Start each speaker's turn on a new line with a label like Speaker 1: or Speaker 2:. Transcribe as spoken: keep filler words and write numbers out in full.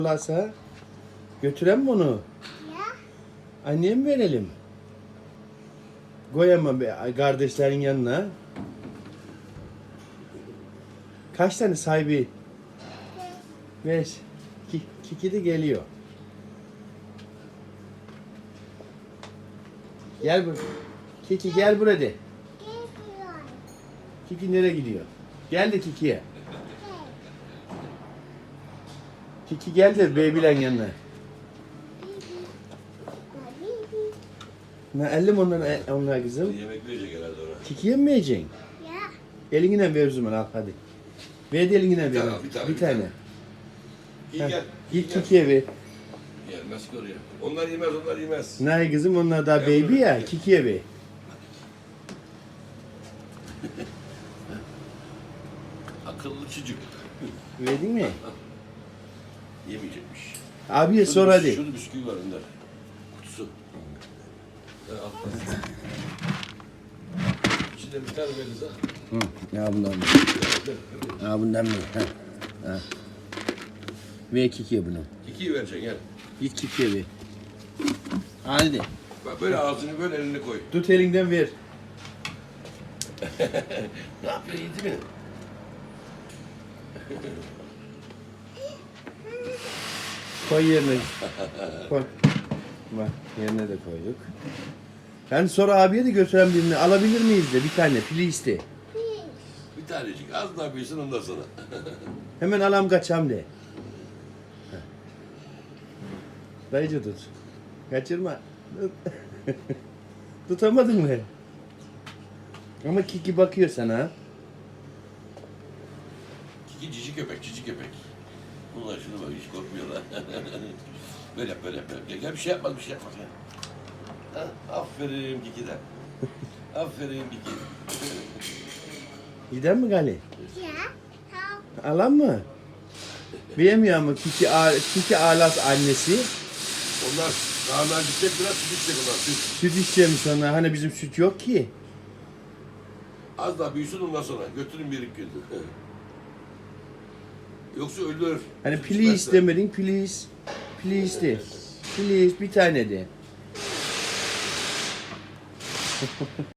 Speaker 1: Varsa götüren mi onu?
Speaker 2: Ya.
Speaker 1: Anneye mi verelim? Koyamam be kardeşlerin yanına. Kaç tane sahibi? Beş. Ki, Kiki de geliyor. Gel bur. Kiki gel buraya de.
Speaker 2: Geliyor.
Speaker 1: Kiki nereye gidiyor? Gel de Kiki'ye. Kiki gel de baby'len yanına. Ne ellim onlara, onlar kızım.
Speaker 3: Yemek verecek herhalde ona.
Speaker 1: Kiki'ye mi vereceksin?
Speaker 2: Ya.
Speaker 1: Elinden ver o zaman al hadi. Ver de elinden
Speaker 3: Bir
Speaker 1: ver.
Speaker 3: tane al, bir tane,
Speaker 1: Bir
Speaker 3: bir
Speaker 1: tane.
Speaker 3: tane. İyi
Speaker 1: Heh,
Speaker 3: gel.
Speaker 1: Git
Speaker 3: gel.
Speaker 1: Kiki'ye ver.
Speaker 3: Gelmez ki oraya. Onlar yemez, onlar yemez.
Speaker 1: Nay kızım onlar daha
Speaker 3: Gel
Speaker 1: baby
Speaker 3: buraya.
Speaker 1: ya. Kiki'ye ver.
Speaker 3: Akıllı çocuk.
Speaker 1: Verdin mi?
Speaker 3: Yemeyecekmiş.
Speaker 1: Abiye
Speaker 3: Şurada
Speaker 1: sor
Speaker 3: bis-
Speaker 1: hadi.
Speaker 3: Şurada bisküvi var Önder. Kutusu. Ha, al. İçinde bir tane veririz ha.
Speaker 1: Hı, ya bundan mı? Ya bundan mı? Ha. Ha. Ver Kiki'ye bunu.
Speaker 3: İkiyi vereceksin gel.
Speaker 1: Git Kiki'ye ver. Hadi de.
Speaker 3: Bak böyle ağzını böyle elini koy.
Speaker 1: Tut elinden ver.
Speaker 3: Ne yapıyor yedi mi?
Speaker 1: Koy yerine. Koy. Bak yerine de koyduk. Ben sonra abiye de götüren birini alabilir miyiz de bir tane please de.
Speaker 3: Bir tanecik az daha büyüsün ondan sonra.
Speaker 1: Hemen alam kaçam de. Heh. Dayıcı tut. Kaçırma. Tut. Tutamadın mı? Ama Kiki bakıyor sana.
Speaker 3: Kiki cici köpek, cici köpek. Bunlar şuna bak hiç korkmuyorlar. Böyle yap, böyle yap. böyle yap. Gel bir şey yapmaz, bir şey yapmaz. Gel. Ha, aferin Kiki'den. Aferin Kiki.
Speaker 1: Giden mi Gali?
Speaker 2: Ya. Tamam.
Speaker 1: Alan mı? Bilemiyor mu Kiki, A- Kiki Alas annesi.
Speaker 3: Onlar daha gidecek biraz süt içecek onlar süt.
Speaker 1: Süt içeceğim sonra. Hani bizim süt yok ki.
Speaker 3: Az daha büyüsün ondan sonra. Götürün bir iki gün. Yoksa ölür.
Speaker 1: Hani
Speaker 3: Süt
Speaker 1: please
Speaker 3: içmezse.
Speaker 1: demedin please. Please de. Please bir tane de.